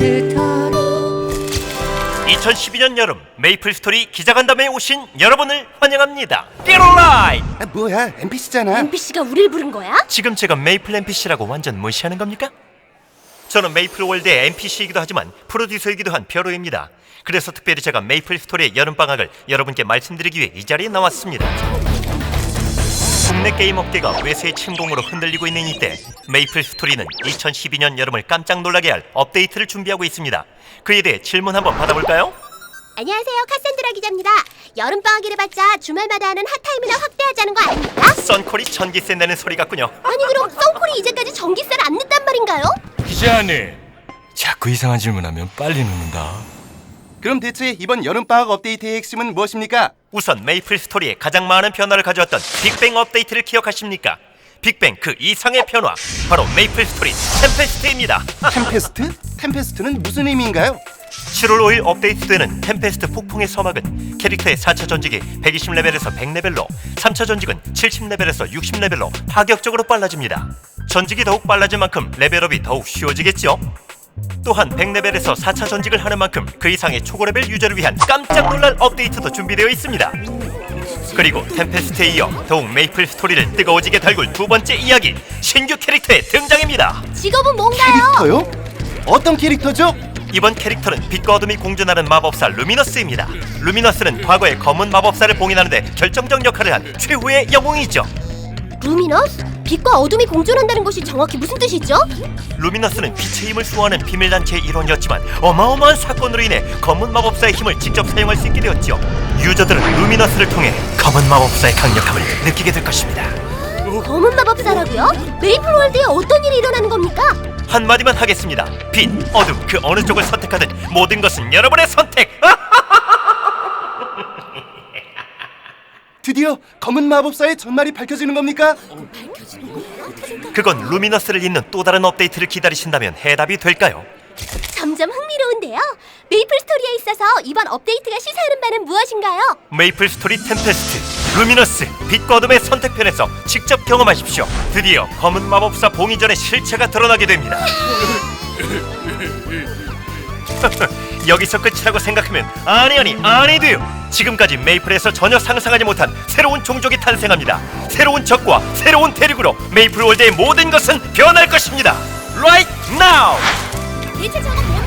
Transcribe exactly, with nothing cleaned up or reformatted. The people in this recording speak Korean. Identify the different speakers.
Speaker 1: 스토리.
Speaker 2: 이천십이 년 여름 메이플 스토리 기자간담회에 오신 여러분을 환영합니다. 삐로라이!
Speaker 3: 아, 뭐야, 엠피씨잖아.
Speaker 4: 엠피씨가 우릴 부른 거야?
Speaker 2: 지금 제가 메이플 엠피씨라고 완전 무시하는 겁니까? 저는 메이플 월드의 엠피씨이기도 하지만 프로듀서이기도 한 벼로입니다. 그래서 특별히 제가 메이플 스토리의 여름방학을 여러분께 말씀드리기 위해 이 자리에 나왔습니다. 국내 게임 업계가 외세의 침공으로 흔들리고 있는 이때 메이플 스토리는 이천십이 년 여름을 깜짝 놀라게 할 업데이트를 준비하고 있습니다. 그에 대해 질문 한번 받아볼까요?
Speaker 4: 안녕하세요, 카산드라 기자입니다. 여름방학이라 봤자 주말마다 하는 핫타임이나 확대하자는 거 아닙니까?
Speaker 2: 썬콜이 전기세 내는 소리 같군요.
Speaker 4: 아니 그럼 썬콜이 이제까지 전기세를 안 냈단 말인가요?
Speaker 5: 기자님, 자꾸 이상한 질문하면 빨리 눕는다.
Speaker 3: 그럼 대체 이번 여름방학 업데이트의 핵심은 무엇입니까?
Speaker 2: 우선 메이플 스토리에 가장 많은 변화를 가져왔던 빅뱅 업데이트를 기억하십니까? 빅뱅 그 이상의 변화, 바로 메이플 스토리 템페스트입니다.
Speaker 3: 템페스트? 템페스트는 무슨 의미인가요?
Speaker 2: 칠월 오일 업데이트되는 템페스트 폭풍의 서막은 캐릭터의 사 차 전직이 백이십 레벨에서 백 레벨로, 삼 차 전직은 칠십 레벨에서 육십 레벨로 파격적으로 빨라집니다. 전직이 더욱 빨라진 만큼 레벨업이 더욱 쉬워지겠죠? 또한 백 레벨에서 사 차 전직을 하는 만큼 그 이상의 초고레벨 유저를 위한 깜짝 놀랄 업데이트도 준비되어 있습니다. 그리고 템페스트에 이어 더욱 메이플 스토리를 뜨거워지게 달굴 두 번째 이야기, 신규 캐릭터의 등장입니다.
Speaker 4: 직업은 뭔가요?
Speaker 3: 캐릭터요? 어떤 캐릭터죠?
Speaker 2: 이번 캐릭터는 빛과 어둠이 공존하는 마법사 루미너스입니다. 루미너스는 과거의 검은 마법사를 봉인하는데 결정적 역할을 한 최후의 영웅이죠.
Speaker 4: 루미너스? 빛과 어둠이 공존한다는 것이 정확히 무슨 뜻이죠?
Speaker 2: 루미너스는 빛의 힘을 수호하는 비밀단체의 일원이었지만 어마어마한 사건으로 인해 검은 마법사의 힘을 직접 사용할 수 있게 되었죠. 유저들은 루미너스를 통해 검은 마법사의 강력함을 느끼게 될 것입니다.
Speaker 4: 검은 마법사라고요? 메이플 월드에 어떤 일이 일어나는 겁니까?
Speaker 2: 한마디만 하겠습니다. 빛, 어둠 그 어느 쪽을 선택하든 모든 것은 여러분의 선택!
Speaker 3: 드디어 검은 마법사의 전말이 밝혀지는 겁니까?
Speaker 2: 그건 루미너스를 잇는 또 다른 업데이트를 기다리신다면 해답이 될까요?
Speaker 4: 점점 흥미로운데요. 메이플 스토리에 있어서 이번 업데이트가 시사하는 바는 무엇인가요?
Speaker 2: 메이플 스토리 템페스트, 루미너스, 빛과 어둠의 선택편에서 직접 경험하십시오. 드디어 검은 마법사 봉인전의 실체가 드러나게 됩니다. 여기서 끝이라고 생각하면 아니 아니 아니 돼요. 지금까지 메이플에서 전혀 상상하지 못한 새로운 종족이 탄생합니다. 새로운 적과 새로운 대륙으로 메이플 월드의 모든 것은 변할 것입니다. Right now!
Speaker 4: 대체 저거 뭐야?